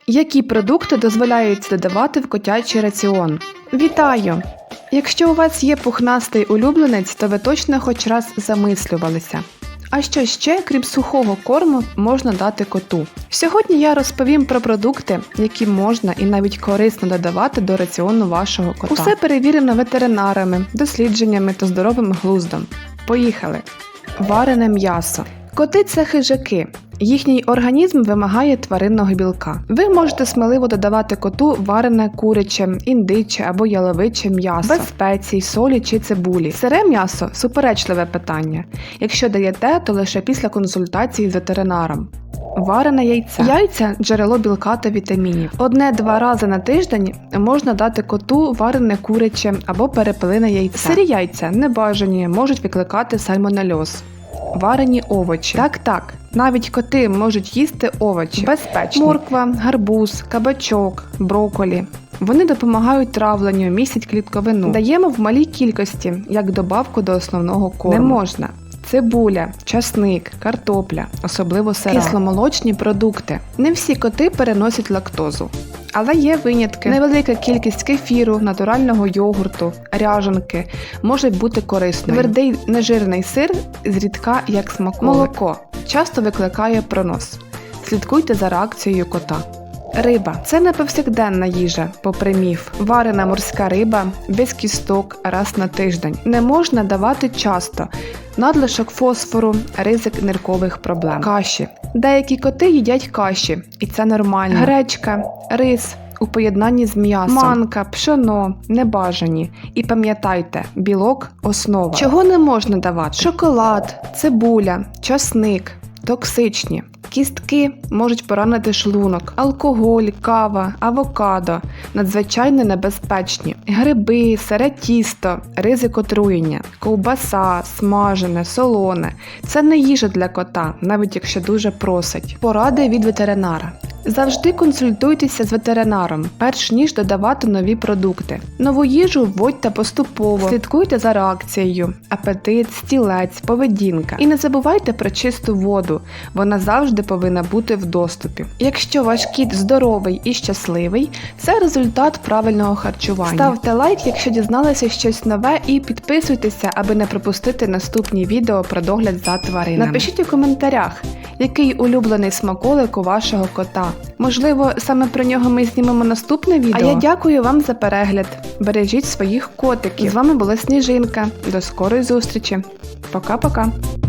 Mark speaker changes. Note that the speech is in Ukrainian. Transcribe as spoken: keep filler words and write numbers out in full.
Speaker 1: Які продукти дозволяється додавати в котячий раціон? Вітаю! Якщо у вас є пухнастий улюбленець, то ви точно хоч раз замислювалися. А що ще, крім сухого корму, можна дати коту? Сьогодні я розповім про продукти, які можна і навіть корисно додавати до раціону вашого кота. Усе перевірено ветеринарами, дослідженнями та здоровим глуздом. Поїхали! Варене м'ясо. Коти – це хижаки. Їхній організм вимагає тваринного білка. Ви можете сміливо додавати коту варене куряче, індиче або яловиче м'ясо, без спецій, солі чи цибулі. Сире м'ясо – суперечливе питання. Якщо даєте, то лише після консультації з ветеринаром. Варене яйце. Яйця – джерело білка та вітамінів. Одне-два рази на тиждень можна дати коту варене куряче або перепелине яйце. Сирі яйця, небажані, можуть викликати сальмонельоз. Варені овочі. Так-так, навіть коти можуть їсти овочі. Безпечно. Морква, гарбуз, кабачок, брокколі. Вони допомагають травленню, містять клітковину. Даємо в малій кількості, як добавку до основного корму. Не можна. Цибуля, часник, картопля, особливо сира. Кисломолочні продукти. Не всі коти переносять лактозу. Але є винятки. Невелика кількість кефіру, натурального йогурту, ряжанки може бути корисною. Твердий нежирний сир зрідка як смаколик. Молоко часто викликає пронос. Слідкуйте за реакцією кота. Риба – це не повсякденна їжа, попри міф. Варена морська риба, без кісток, раз на тиждень. Не можна давати часто. Надлишок фосфору, ризик ниркових проблем. Каші. Деякі коти їдять каші, і це нормально. Гречка, рис у поєднанні з м'ясом. Манка, пшоно, небажані. І пам'ятайте, білок – основа. Чого не можна давати? Шоколад, цибуля, часник, токсичні. Кістки можуть поранити шлунок. Алкоголь, кава, авокадо – надзвичайно небезпечні. Гриби, сире тісто, ризик отруєння. Ковбаса, смажене, солоне – це не їжа для кота, навіть якщо дуже просить. Поради від ветеринара. Завжди консультуйтеся з ветеринаром, перш ніж додавати нові продукти. Нову їжу вводьте поступово, слідкуйте за реакцією, апетит, стілець, поведінка. І не забувайте про чисту воду, вона завжди повинна бути в доступі. Якщо ваш кіт здоровий і щасливий, це результат правильного харчування. Ставте лайк, якщо дізналися щось нове, і підписуйтеся, аби не пропустити наступні відео про догляд за тваринами. Напишіть у коментарях, який улюблений смаколик у вашого кота. Можливо, саме про нього ми знімемо наступне відео? А я дякую вам за перегляд. Бережіть своїх котиків. З вами була Сніжинка. До скорої зустрічі. Пока-пока.